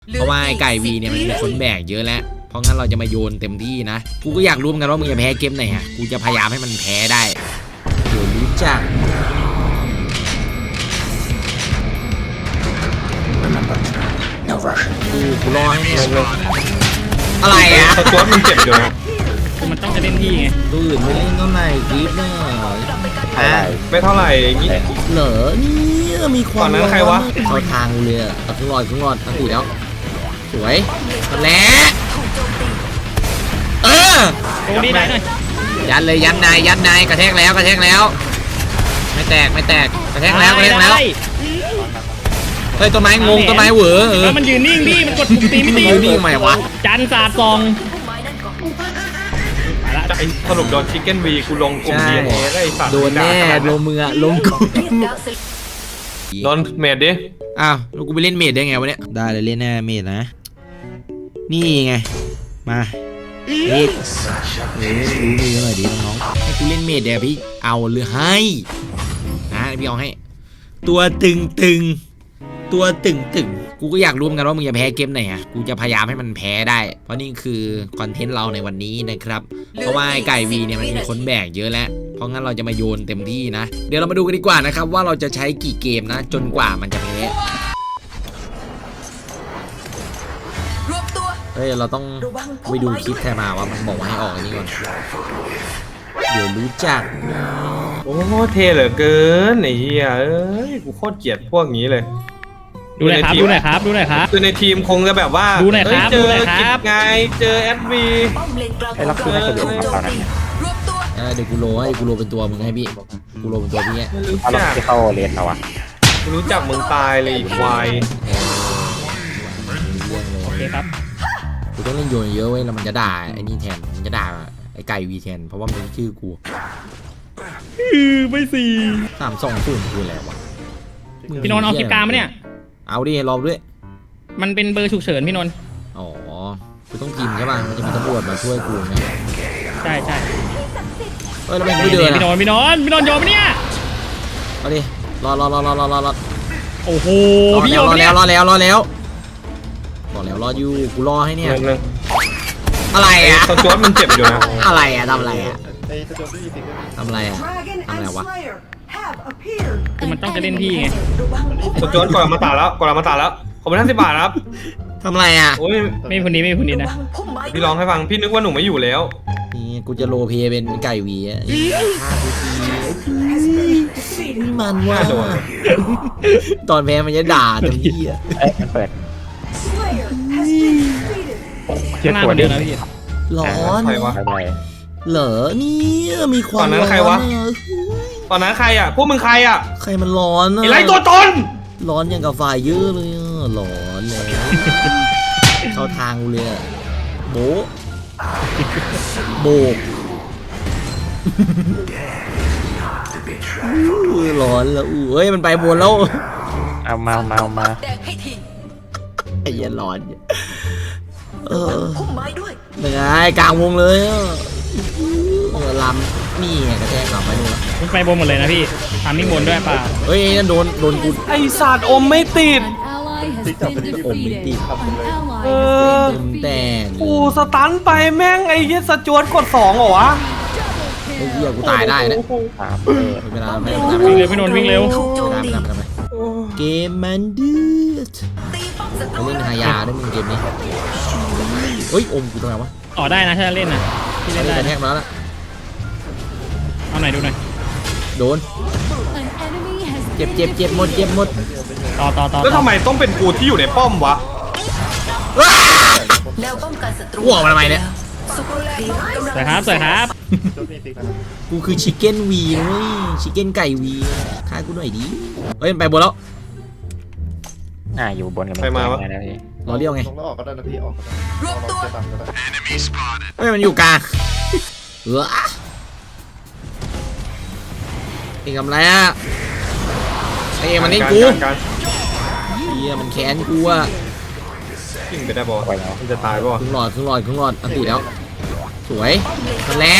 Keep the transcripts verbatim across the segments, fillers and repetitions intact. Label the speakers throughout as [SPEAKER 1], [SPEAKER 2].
[SPEAKER 1] เพราะว่าไอ้ไก่วีเนี่ยมันมีคนแบกเยอะแล้วเพราะงั้นเราจะมาโยนเต็มที่นะกูก็อยากรู้เหมือนกันว่ามึงจะแพ้เกมไหนฮะกูจะพยายามให้มันแพ้ได้เดี๋ยวรู้จักกูกูรอให้เนี่ยอะไรอ่ะ
[SPEAKER 2] ตัวมันเจ็บอยู่นะ
[SPEAKER 3] มันต้องจะเล่นที่ไง
[SPEAKER 1] ตื่นไม่เล่นเท่าไหร่คลิปเนี่ย
[SPEAKER 2] ไม่เท่าไหร่งี้
[SPEAKER 1] เหรอนี่มีความ
[SPEAKER 2] ตอนนั้นใครวะ
[SPEAKER 1] เข้าทางเลยอ่ะครึ่งหลอดครึ่งหลอดอันตีแล้วสวยแล้วเออ
[SPEAKER 3] โอ้ดีได้หน่อย
[SPEAKER 1] ยันเลยยันนายยันนายกระแทกแล้วกระแทกแล้วไม่แตกไม่แตกกระแทกแล้วกระแทกแล้วเฮ้ยต้นไม้งงต้นไม้เหวอเออ
[SPEAKER 3] มันยืนนิ่งพี่มันกดปุ่มตีไม่ตี
[SPEAKER 1] ยืนนิ่งทำไมวะ
[SPEAKER 3] จันสาดซอง
[SPEAKER 2] สรุปโดนชิคเก้นวีกูลงกลุ่ม ดี เอ็น เอ ได้สัตว์
[SPEAKER 1] โดนแน่ลงมือลงกู
[SPEAKER 2] โดนเมดดิ
[SPEAKER 1] อ้าวแล้วกูไปเล่นเมดได้ไงวะเนี่ยได้เลยเล่นแน่เมดนะนี่ไงมาเอ็กเออรู้มือหน่อยดิน้องให้กูเล่นเมดเดี๋ยวพี่เอาหรือให้นะพี่เอาให้ตัวตึงตึงตัวตึงตึงกูก็อยากรู้เหมือนกันว่ามึงจะแพ้เกมไหนฮะกูจะพยายามให้มันแพ้ได้เพราะนี่คือคอนเทนต์เราในวันนี้นะครับเพราะว่าไอ้ไก่วีเนี่ยมันมีคนแบกเยอะแล้วเพราะงั้นเราจะมาโยนเต็มที่นะเดี๋ยวเรามาดูกันดีกว่านะครับว่าเราจะใช้กี่เกมนะจนกว่ามันจะแพ้เฮ้ยเราต้องไปดูคลิปใครมาว่ามันบอกว่าให้ออกอันนี้ก่อนเดี๋ยวรู้จัก
[SPEAKER 2] โอ้เท่เหลือเกินไอ้เหี้ยเอ้ยกูโคตรเกลียดพวกนี้เลย
[SPEAKER 3] ดูหน่อยครับดูหน่อยครับดูหน่อยครับ
[SPEAKER 2] คือในทีมคงจะแบบว่า
[SPEAKER 3] ดูหน่อยครับ
[SPEAKER 2] เจอกิจไงเจอแอดวี
[SPEAKER 4] ไอ้รับคือไม่สะดวกครับตอนนั้น
[SPEAKER 1] เดี๋ยวกูโลให้กูโลเป็นตัวมึงให้พี่กูโลเป็นตัวพี่
[SPEAKER 2] ไม่รู้
[SPEAKER 4] เอา
[SPEAKER 2] จัก
[SPEAKER 4] ที่เข้าเรียนเราอะ
[SPEAKER 2] กูรู้จักมึงตายเลยควาย
[SPEAKER 3] โอเคครับ
[SPEAKER 1] กูต้องเล่นโยนเยอะเว้ยแล้วมันจะด่าไอ้นี่แทนมันจะด่าไอ้ไก่วีแทนเพราะว่ามันชื่อกู
[SPEAKER 3] ไม่สี่
[SPEAKER 1] สามสองศูนย์กูแล้ววะ
[SPEAKER 3] พี่นนท์เอาคลิปกลางมาเนี่ย
[SPEAKER 1] เอาดิรอด้วย
[SPEAKER 3] มันเป็นเบอร์ฉุกเฉินพี่นนท์
[SPEAKER 1] อ๋อกูต้องกินใช่ป่ะมันจะมีตำรวจมาช่วยกูไง
[SPEAKER 3] ใช่ใช่
[SPEAKER 1] เฮ้ยแล้วไม่เดิน
[SPEAKER 3] พี่นนท์พี่นนท์พี่นนท์ยอมไหมเนี่ย
[SPEAKER 1] เอาดิรอรอรอรอรอรอรอ
[SPEAKER 3] โอ้โห
[SPEAKER 1] พี่ยอมรอแล้วรอแล้วรอแล้วรอแล้วรออยู่กูรอให้เนี่ยอะไรอ่ะ
[SPEAKER 2] ตัวมันเจ็บอยู่นะ
[SPEAKER 1] อะไรอ่ะทำอะไรอ่ะทำอะไรอ่ะทำอะไรวะ
[SPEAKER 3] คือมันต้องจะเล่นที่ไง
[SPEAKER 2] ตัวจวนก่อนมาตาแล้วก่อนมาตาแล้วขอบคุณท่านสิบบาทครับ
[SPEAKER 1] ทำอะไรอ่ะ
[SPEAKER 2] โอ้ย
[SPEAKER 3] ไม่คนนี้ไม่คนนี้นะ
[SPEAKER 2] พี่ร้องให้ฟังพี่นึกว่าหนูไม่อยู่แล้ว
[SPEAKER 1] นี่กูจะโรเพเป็นไก่วีอ่ะมันว่าตอนแพ้มันจะด่าตรงนี้อ่ะ
[SPEAKER 4] มันเปิด
[SPEAKER 3] เชื่อตัวเดียวนะพี่
[SPEAKER 1] ร้อน
[SPEAKER 2] ใครวะ
[SPEAKER 1] เหรอนี่มีความ
[SPEAKER 2] ตอนนั้นใครวะตอนนั้นใครอ่ะพวกมึงใครอ่ะ
[SPEAKER 1] ใครมันร้อน
[SPEAKER 2] ไอ้ไรตัวตน
[SPEAKER 1] ร้อนอย่างกับไฟเยอะเลยร้อนเลยเข้าทางเลยโบโบกร้อนแล้วอู้เอ้ยมันไปบนแล้ว
[SPEAKER 4] เอามามามา
[SPEAKER 1] ไอ้ยันร้อนเออเหนื่อยกลางวงเลยเออลำนี่กระแทกกลับไปดู
[SPEAKER 3] มันไปบนหมดเลยนะพี่ทำนิ่งบนด้วยป่ะ
[SPEAKER 1] เฮ้ยนั่นโดนโดนกู
[SPEAKER 2] ไอศาสตร์อมไม่ติด
[SPEAKER 1] อมไม่ติด
[SPEAKER 2] เออ
[SPEAKER 1] แต่
[SPEAKER 2] กูสตันไปแม่งไอ้เหี้ยสจวตกดสองเหรอวะ
[SPEAKER 1] ไอ้เหี้ยกูตายได้นะเวลาไม่
[SPEAKER 3] วิ่งเร็วพี่นนท์วิ่งเร็ว
[SPEAKER 1] เกมมันดื้อเขาเล่นฮายาด้วยมึงเกมนี้เฮ้ยอมกูทำไมวะ
[SPEAKER 3] ต่อได้นะถ้าเล่นนะ
[SPEAKER 1] ที่เล่นได้แทกมาแล้วนะ
[SPEAKER 3] เอาไหนดูหน่อย
[SPEAKER 1] โดนเจ็บเจ็บเจ็บหมดเจ็บหมด
[SPEAKER 3] ต่อต่อต่อ
[SPEAKER 2] แล้วทำไมต้องเป็นกูที่อยู่ในป้อมวะ
[SPEAKER 1] แล้วป้องกันศัตรูหัวมันทำไมเนี่ย
[SPEAKER 3] สวยครับสวยครับ
[SPEAKER 1] กูคือชิคเก้นวีนะเว้ยชิคเก้นไก่วีฆ่ากูหน่อยดิเฮ้ยไปบนแล้ว
[SPEAKER 4] อ่าอยู่บนกัน
[SPEAKER 2] ไปมาวะ
[SPEAKER 1] รอเลี้ยวไง
[SPEAKER 5] ลงแล้วออกก็ได้นะพี่ออกก็ได้
[SPEAKER 1] เฮ้ยมันอยู่กลางเออเองทำไรอ่ะไอ้เองมันเล่นกูเฮียมันแค้นกูอ่ะ
[SPEAKER 2] ยิงไปได้บอลมันจะตายป่ะ
[SPEAKER 1] ครึ่งหลอดครึ่งหลอดครึ่งหลอดอันตีแล้วสวยมันแหละ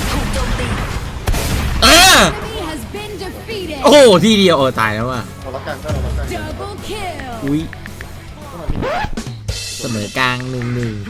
[SPEAKER 1] เออโอ้โหทีเดียวเออตายแล้วว่ะอุ้ยเสมอกลางหนึ่งหนึ่ง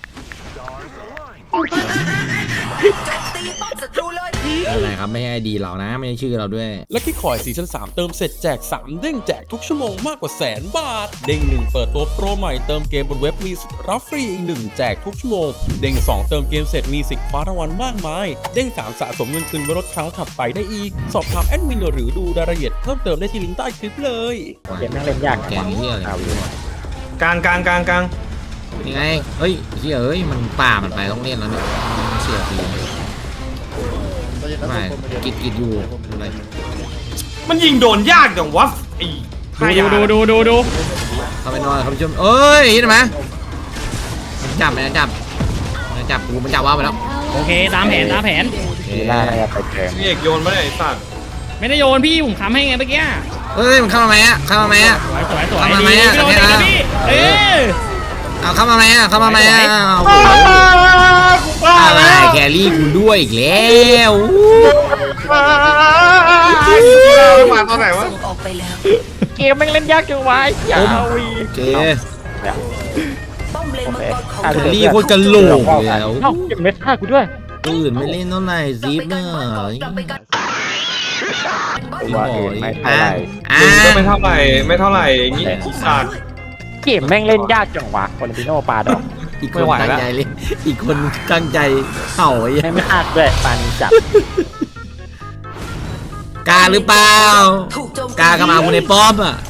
[SPEAKER 1] อะไรครับไม่ใช่ไอดีเรานะไม่ใช่ชื่อเราด้วย
[SPEAKER 6] และที่คอยซีซั่นสามเติมเสร็จแจกสามเด้งแจกทุกชั่วโมงมากกว่าแสนบาท เด้งหนึ่งเปิดตัวโปรใหม่เติมเกมบนเว็บมีสิทธิ์รับฟรีอีกหนึ่งแจกทุกชั่วโมง เด้งสองเติมเกมเสร็จมีสิทธิ์คว้ารางวัลมากมาย เด้งสามสะสมเงินคืนไว้ลดครั้งถัดไปได้อีก สอบถามแอดมินหรือดูรายละเอียดเพิ่มเติมได้ที่ลิงก์ใต้คลิปเลย
[SPEAKER 4] เกมแม่งเล่นยาก
[SPEAKER 1] แกงเฮียอะไร
[SPEAKER 4] เอาอยู่
[SPEAKER 2] กลางกลางกลางกลาง
[SPEAKER 1] นี่ไงเฮ้ยเฮียเอ้ยมันป่ามันไปต้องเล่นแล้วเนี่ยเสียที
[SPEAKER 5] ใจเย็นนะ
[SPEAKER 1] ไม่
[SPEAKER 5] ทุกคนใจเย็น
[SPEAKER 1] กิดกิดอยู่อะไร
[SPEAKER 2] มันยิงโดนยากจังวะไอ้
[SPEAKER 3] ดูดูดูดูดู
[SPEAKER 1] เข้าไปนอนครับผู้ชมเอ้ยเห็นไหมมันจับมันจับมันจับกูมันจับว่าไปแล้ว
[SPEAKER 3] โอเคตามแผนตามแผน
[SPEAKER 4] ลีล่าน่าจะไปเกม
[SPEAKER 2] นี่เอกโยนมาเลยไอ้สัตว์
[SPEAKER 3] ไม่ได้โยนพี่ผมค้ำให้ไงเมื่อกี้
[SPEAKER 1] เฮ้ยมันเข้ามาไหมอ่ะเข้ามาไหมอ่ะ
[SPEAKER 3] สวยสวยสวย
[SPEAKER 1] ทำไม
[SPEAKER 3] ดี
[SPEAKER 1] ไม่อะ
[SPEAKER 3] พี่โดน
[SPEAKER 1] ทำไม
[SPEAKER 3] เด็ก
[SPEAKER 1] อะ
[SPEAKER 3] นะพี่เออ
[SPEAKER 1] เอาเข้ามาไหมอ่ะเข้ามาไหมอ่ะ
[SPEAKER 3] สวย
[SPEAKER 1] โอ้โหอะไรแครี่กูด้วยอีกแล้ว
[SPEAKER 2] มาตอนไหนวะ
[SPEAKER 4] เกมแม่งเล่นยากจังวะอย่าเอาวี
[SPEAKER 1] โอเค
[SPEAKER 4] โอเค
[SPEAKER 1] แครี่โคตรกะโหลกเลยแล้ว
[SPEAKER 4] เอ้าเก็บเม็ดฆ่ากูด้วย
[SPEAKER 1] ตัวอื่นไม่เล่นเท่าไหร่ซีฟเนอะ
[SPEAKER 4] ว่าเองไม่เท่าไหร่
[SPEAKER 1] อ่ะ
[SPEAKER 2] มึงก็ไม่เท่าไหร่ไม่เท่าไหร่อย่างงี้ไอ้สัตว์
[SPEAKER 4] เกมแม่งเล่นยากจังวะโคลัมบิโนปาดอก
[SPEAKER 1] อีกค
[SPEAKER 2] ไม่
[SPEAKER 1] น
[SPEAKER 2] ไหว
[SPEAKER 1] ตั้ง
[SPEAKER 2] แล้ว
[SPEAKER 1] ใจเลยอีกคนตั้งใจเข่าไอ้
[SPEAKER 4] ไม่ไม่หักด้วยปานี้จับ
[SPEAKER 1] กาหรือเปล่ากากระมาคุณในป้อมอ่ะ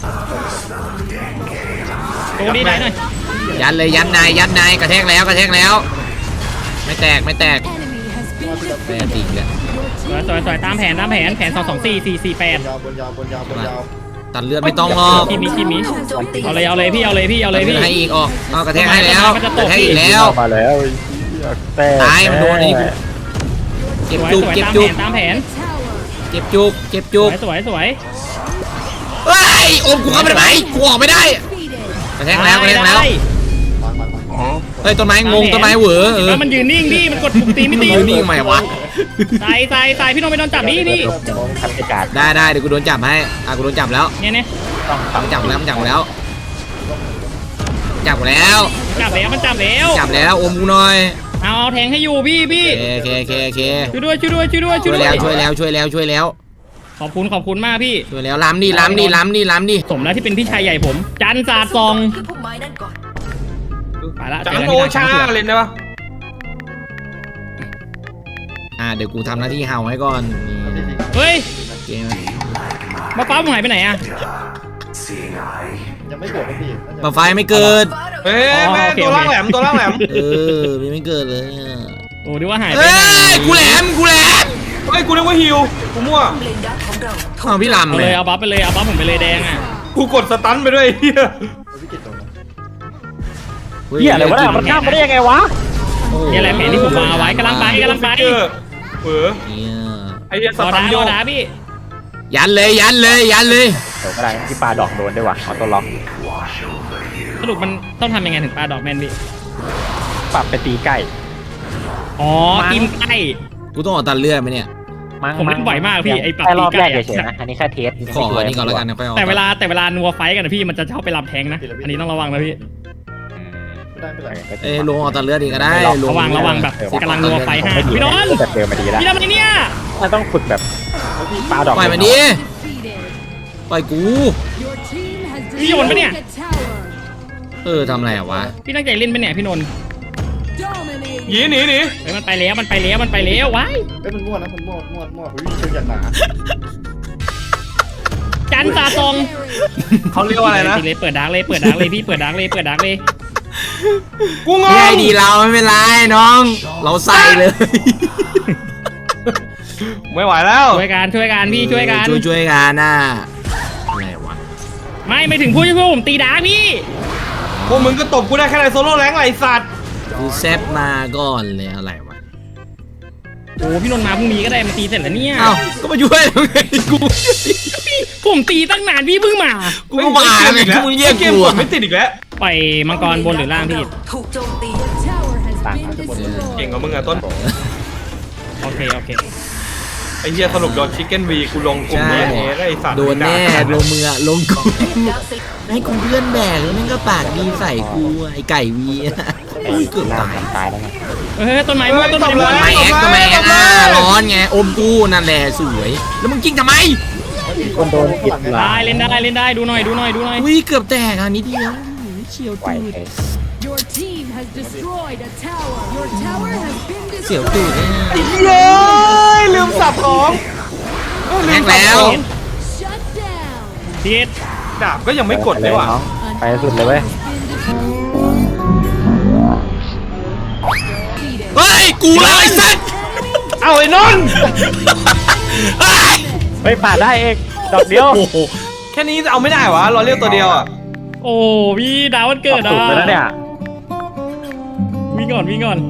[SPEAKER 3] ดูดีได้หน่อย
[SPEAKER 1] ยันเลยยันนายยันนายกระแทกแล้วกระแทกแล้ว ไม่แตกไม่แตกแม่จริงเลย
[SPEAKER 3] สวยสวยสวยตามแผนตามแผนแผนสองสองสี่สี่สี่แปด
[SPEAKER 5] ยาวบนยาวบนยาวบนยาว
[SPEAKER 1] ตัดเลือดไม่ต้องหรอก
[SPEAKER 3] คิมิคิมิเอาเลยเอาเลยพี่เอาเลยพี่เอาเลยพี่
[SPEAKER 1] ให้อีกออกเอากระแทกให้แล้ว
[SPEAKER 3] มันจะ
[SPEAKER 1] ก
[SPEAKER 3] ต
[SPEAKER 1] ระ
[SPEAKER 3] ก
[SPEAKER 1] แทกอีกแล้ว
[SPEAKER 4] มาแล้วแต่
[SPEAKER 1] ตายมันโดนไอ้นี่กู เจ็บ
[SPEAKER 3] สวย
[SPEAKER 1] จุก
[SPEAKER 3] สวย
[SPEAKER 1] เจ็บ
[SPEAKER 3] ตาม
[SPEAKER 1] จุ
[SPEAKER 3] แผ
[SPEAKER 1] ก
[SPEAKER 3] นตามแผน
[SPEAKER 1] เจ็บจุกเจ็บ
[SPEAKER 3] ส
[SPEAKER 1] จุ
[SPEAKER 3] ว
[SPEAKER 1] ก
[SPEAKER 3] ยสวยสวย
[SPEAKER 1] เฮ้ยโอมกูเข้าไปได้ไหมกูออกไม่ได้กระแทกแล้วกระแทกแล้ว
[SPEAKER 3] ได้
[SPEAKER 5] วางวางวาง
[SPEAKER 1] เฮ้ยต้นไม้งงต้นไม้เหวอเออ
[SPEAKER 3] แล้วมันยืนนิ่งพี่มันกดปุ่มตีไม่ตี
[SPEAKER 1] อยู่นี่ทำไมวะ
[SPEAKER 3] ตายตายตายพี่โนไปโดนจับนี่พี่
[SPEAKER 4] ทำกิจการ
[SPEAKER 1] ได้ได้เดี๋ยวกูโดนจับให้อ่ะกูโดนจับแล้ว
[SPEAKER 3] เนี่ยเนี่ย
[SPEAKER 4] ต้อง
[SPEAKER 1] มันจับแล้วมันจับแล้วจับแล้ว
[SPEAKER 3] จับแล้วมันจับแล้ว
[SPEAKER 1] จับแล้วอมกูหน่อย
[SPEAKER 3] เอาเอาแทงให้อยู่พี่พี่
[SPEAKER 1] โอเคโอเคโอเค
[SPEAKER 3] ช่วยด้วยช่วยด้วยช่วยด้วยช่
[SPEAKER 1] ช่
[SPEAKER 3] ว
[SPEAKER 1] วย ย
[SPEAKER 3] ด้ว
[SPEAKER 1] แล้ว
[SPEAKER 3] ย
[SPEAKER 1] ช่วยแล้วช่วยแล้วช่วยแล้ว
[SPEAKER 3] ขอบคุณขอบคุณมากพี่
[SPEAKER 1] ช่วยแล้วล้ำดิล้ำดิล้ำดิล้ำดิ
[SPEAKER 3] สมแล้วที่เป็นพี่ชายใหญ่ผม จันทร์ศาสตร์ซองไปละ
[SPEAKER 2] จั
[SPEAKER 3] เจ
[SPEAKER 2] ง
[SPEAKER 3] อกัน
[SPEAKER 2] โอ
[SPEAKER 3] ที่
[SPEAKER 2] ชา
[SPEAKER 3] ทาง
[SPEAKER 2] เล่นได้ปะ
[SPEAKER 1] อ่ะเดี๋ยวกูทำหน้าที่เห่าให้ก่อนนี่
[SPEAKER 3] เฮ้ย
[SPEAKER 1] เกม
[SPEAKER 3] มาฟ้าผมหายไปไหนอะ
[SPEAKER 5] ยังไม่เกิดนะพี่
[SPEAKER 1] มาไฟไม่เกิด
[SPEAKER 2] เฮ้ยแม่ตัวล่างแหลมตัวล่างแหลม
[SPEAKER 1] เออมันไม่เกิดเลยอ่ะ
[SPEAKER 3] โอ้ดูว่าหายไป
[SPEAKER 1] เอ้
[SPEAKER 3] ไหน
[SPEAKER 1] ยกูแหลมกูแหลม
[SPEAKER 2] เฮ้ยกูนึกว่าฮิวกูมั่ว
[SPEAKER 1] เอาพี่ลำ
[SPEAKER 3] เอา
[SPEAKER 1] เล
[SPEAKER 3] เลย ยเอาบัฟไปเลยเอาบัฟผมไปเลยแดงอะ
[SPEAKER 2] กูกดสตันไปด้วยไอ้เฮีย
[SPEAKER 5] วิกฤตตรงนั้น
[SPEAKER 4] เฮียอะไรวะเนี่ยมันข้ามมาได้ยังไงวะ
[SPEAKER 3] นี่แหละแผนที่ผมวางเอาไว้กำลังไปกำลังไป
[SPEAKER 2] เออเออ
[SPEAKER 1] เนี่ย
[SPEAKER 2] ไอ้เฮียส
[SPEAKER 3] รอ
[SPEAKER 2] ตั
[SPEAKER 3] ดาน
[SPEAKER 2] โย
[SPEAKER 3] รอก ดาพี่
[SPEAKER 1] ยันเลยยันเลยยันเลย
[SPEAKER 4] เดี๋ยวก็ได้ที่ปลาดอกโดนด้วยว่ะเอาตัวล็อก
[SPEAKER 3] สรุปมันต้องทำยังไงถึงปลาดอกแมนพี่
[SPEAKER 4] ปรับไปตีใกล้
[SPEAKER 3] อ๋อกินไก่
[SPEAKER 1] กูต้องออกตัดเลือดไหมเนี่ย
[SPEAKER 4] มั้ง
[SPEAKER 3] ผมเล่นบ่อยมากพี่ไอ้ปรับ
[SPEAKER 4] แค่รอบ
[SPEAKER 3] ตี
[SPEAKER 4] แร
[SPEAKER 3] ใกล้
[SPEAKER 4] ก
[SPEAKER 3] อะ
[SPEAKER 4] เฉยๆนะอันนี้แค่เทส
[SPEAKER 1] กูขออันนี้ก่อนแล้วกันนะค่อยออก
[SPEAKER 3] แต่เวลาแต่เวลานัวไฟกันนะพี่มันจะชอบไปรับแทงนะ อันนี้ต้องระวังนะพี่
[SPEAKER 5] ไม่ได้ไม่ได้
[SPEAKER 1] เอ้ยลงออกตัดเลือดอีกก็ได้ลง
[SPEAKER 3] ระวังระวังแบบกำลังนัวไฟห้าพี่นนท์
[SPEAKER 4] แต่เดิมมาดีแล้ว
[SPEAKER 3] พี่ทำอะไรเนี่ย
[SPEAKER 4] มันต้องฝึกแบบปลาดอก
[SPEAKER 1] ปล่อยมันดิปล่อยกู
[SPEAKER 3] พี่โยนปะเนี่ย
[SPEAKER 1] เออทำอะไรอะวะ
[SPEAKER 3] พี่ตั้งใจเล่นปะเนี่ยพี่นนท์
[SPEAKER 2] หนีหนีหนี
[SPEAKER 3] เฮ้ยมันไปแล้วมันไปแล้วมันไปแล้วว้าย
[SPEAKER 5] เอ้ยมันมั่วนะมันมั่วมั่วมั่วเฮ้ยเชิงอย่างหนา
[SPEAKER 3] จันตาตรง
[SPEAKER 2] เขาเรียกว่าอะไรนะ
[SPEAKER 3] ปิดเลยเปิดดักเลยเปิดดักเลยพี่เปิดดักเลยเปิดดักเลย
[SPEAKER 2] กูง
[SPEAKER 1] ไม่
[SPEAKER 2] ง
[SPEAKER 1] ไอดีเราไม่เป็นไรน้อง เราใส่เลย
[SPEAKER 2] ไม่ไหวแล้ว
[SPEAKER 3] ช่วยกันช่วยกันพี่ช่วยกัน
[SPEAKER 1] ช่วยช่วยกันน่ะอะไรวะ
[SPEAKER 3] ไม่ไม่ถึงพูดช่วยผมตีดักพี่
[SPEAKER 2] พวกมึงก็ตบกูได้แค่ในโซโล่แรงไรสัตว์
[SPEAKER 1] กูแซบมาก่อนเลยอะไรวะ
[SPEAKER 3] โอ้พี่นนท์มาพรุ่งนี้ก็ได้มาตีเสร็จแล้วเนี่ย
[SPEAKER 1] เอ้าก็มาช่วยแล้วไงกู
[SPEAKER 3] ผมตีตั้งนานพี่เพิ่งมา
[SPEAKER 1] กูก็มาไงกูมึงเรียก
[SPEAKER 2] เกม
[SPEAKER 1] กู
[SPEAKER 2] ก
[SPEAKER 1] อะ
[SPEAKER 2] ดไม่ติดอีกแล้ว
[SPEAKER 3] ปล่อยมังกรบนหรือล่างพี่
[SPEAKER 4] ต่าง
[SPEAKER 2] เก่งกว่ามึงอะต้น
[SPEAKER 3] โอเคโอเค
[SPEAKER 2] ไอ้เหี้ยสรุปโดนชิคเก้นวีกูลงกลุ่ม
[SPEAKER 1] ใช่
[SPEAKER 2] เอเอไอ้สัตว์
[SPEAKER 1] โดนแน่ลงมืออะลงกูให้กูเพื่อนแบกแล้วแม่งก็ปากดีใส่กูอะไอไก่วีอะอุ้ยเกือบตาย
[SPEAKER 4] ตายแล้วไง
[SPEAKER 3] เฮ้ยต้นไม้มั่วต้นไม้มั่ว
[SPEAKER 1] ไม่แอกก็ไม่แอกอ่ะร้อนไงอมกูนั่นแหละสวย แล้วมึงกิ้งทำไม
[SPEAKER 4] คนโดนกิดหลา
[SPEAKER 3] ได้เล่นได้เล่นได้ดูหน่อยดูหน่อยดูหน่อย
[SPEAKER 1] อุ้ยเกือบแตกอ่ะนิดเดียวเฉียว
[SPEAKER 4] ไหว
[SPEAKER 1] ตูด
[SPEAKER 4] เลย
[SPEAKER 7] Your team has destroyed a tower. Your tower has been
[SPEAKER 1] เฉียว
[SPEAKER 7] destroyed.
[SPEAKER 1] ตูดเนี่ย
[SPEAKER 2] เย้ยลืมสับของเออ
[SPEAKER 1] แต
[SPEAKER 2] ลืม
[SPEAKER 1] ก
[SPEAKER 2] สับ
[SPEAKER 1] แล้ว
[SPEAKER 2] ของ
[SPEAKER 7] Shut down.
[SPEAKER 3] พีท
[SPEAKER 2] ดาบก็ยังไม่กดเลยว่ะ
[SPEAKER 4] น้องไปสุดเลยเว้ย
[SPEAKER 1] เฮ้ยกูเลยไอ้สัตว์
[SPEAKER 2] เอาไอ้นนท์
[SPEAKER 1] เฮ้ย
[SPEAKER 4] เฮ้ยปาดได้เองดอกเดียว
[SPEAKER 1] โอ้โห
[SPEAKER 2] แค่นี้เอาไม่ได้วะรอเรียกตัวเดียวอ่ะ
[SPEAKER 3] โอ้พี่ดาววันเกิด
[SPEAKER 4] สุ
[SPEAKER 3] อ่ะ
[SPEAKER 4] ดไปแล้วเนี่ย
[SPEAKER 3] วิ่งก่อนวิ่งก่อน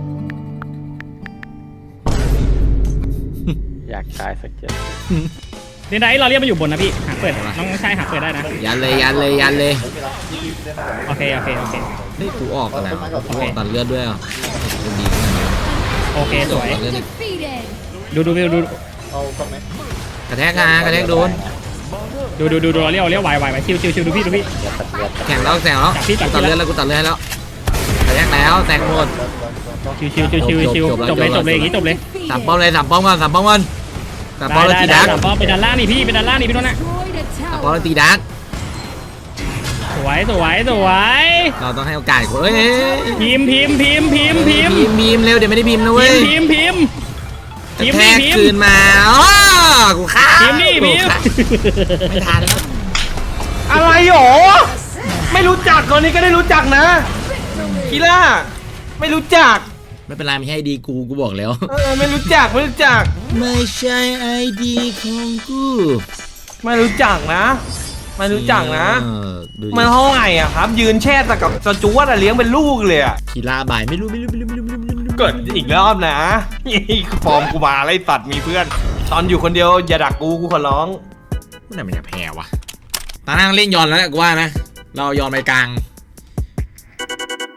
[SPEAKER 4] อยากตายสักเจ็ด
[SPEAKER 3] เล่นได้เราเรียกมาอยู่บนนะพี่หาเปิดน้องชายหาเปิดได้นะ
[SPEAKER 1] ยันเลยยันเลยยันเลย
[SPEAKER 3] โอเคโอเคโอเค
[SPEAKER 1] เฮ้ยกูออกแล้วกูออกตัดเลือดด้วยอ่ะกูดีมาก
[SPEAKER 3] โอเคสวย
[SPEAKER 1] ตัดเลือดอีก
[SPEAKER 7] Defeated.
[SPEAKER 3] ดูดูดูดู
[SPEAKER 5] เอากล้องไหม
[SPEAKER 1] กระแทกงากระแทกโดน
[SPEAKER 3] ดูดูดูดูเราเรียกเราเรียกไหวไหวไหวชิวชิวชิวดูพี่ดูพี่
[SPEAKER 1] แข่งแล้วแข่งแล้ว
[SPEAKER 3] จับพี่จั
[SPEAKER 1] กู
[SPEAKER 3] บพี่
[SPEAKER 1] ตัดเลือดแล้วกูตัดเลือดให้แล้วกระแทกแล้วแตกหมด
[SPEAKER 3] ชิวชิวชิวชิวชิวจบเลยจบเลยอย่างนี้จบเลย
[SPEAKER 1] สามป้อมเลยสามป้อมก่อนสามป้อมก่อนสามป้อมแล้ว
[SPEAKER 3] ได้
[SPEAKER 1] ตี
[SPEAKER 3] ได้
[SPEAKER 1] ดัก
[SPEAKER 3] สามป้อมเป็นด้านล่างนี่พี่เป็นด้านล่างนี่พี่โดนนะ
[SPEAKER 7] Destroyed a
[SPEAKER 1] สามป้อม
[SPEAKER 7] tower.
[SPEAKER 1] แล้วตีดัก
[SPEAKER 3] สวยสวยสวย
[SPEAKER 1] เราต้องให้โอกาสคนเอ้ย
[SPEAKER 3] พิมพ์พิมพ์พิมพ์พิมพ์พิมพ์
[SPEAKER 1] พิมพ์พิมพ์เร็วเดี๋ยวไม่ได้พิมพ์นะ
[SPEAKER 3] พิ
[SPEAKER 1] เว้
[SPEAKER 3] ม
[SPEAKER 1] ย
[SPEAKER 3] พ์พิมพ์พิมพ์
[SPEAKER 1] กระ
[SPEAKER 3] พิมพ์
[SPEAKER 1] แท
[SPEAKER 3] นี่
[SPEAKER 1] ก
[SPEAKER 3] พิม
[SPEAKER 1] คืน
[SPEAKER 3] พ์
[SPEAKER 1] มาอ้อกูฆ่า
[SPEAKER 3] พิมพ์นี่พิมพ์
[SPEAKER 1] ไม่ทันแล้ว
[SPEAKER 2] อะไรหรอไม่รู้จักตอนนี้ก็ได้รู้จักนะคีล่าไม่รู้จัก
[SPEAKER 1] ไม่เป็นไรไม่ใช่ไอดีกูกูบอกแล้ว
[SPEAKER 2] เออไม่รู้จักไม่รู้จัก
[SPEAKER 1] ไม่ใช่ไอดีของกู
[SPEAKER 2] ไม่รู้จักนะไม่รู้จักนะ
[SPEAKER 1] เออดูดิ
[SPEAKER 2] มันเท่าไหร่อ่ะครับ ยืนแช่แต่กับสจวตอะเลี้ยงเป็นลูกเลยอ่ะ
[SPEAKER 1] คีราบายไม่รู้ไม่รู้ไม่รู้ไม่รู้ไม่รู้ไม่รู้
[SPEAKER 2] เกิดอีกรอบนะฟอร์มกูมาไล่ตัดมีเพื่อน ตอนอยู่คนเดียวอย่าดักกูกูขอร้อง
[SPEAKER 1] มันไหนมันจะแพ้วะตานั่งเล่นยอนแล้วแหละกูว่านะเรายอนไปกลาง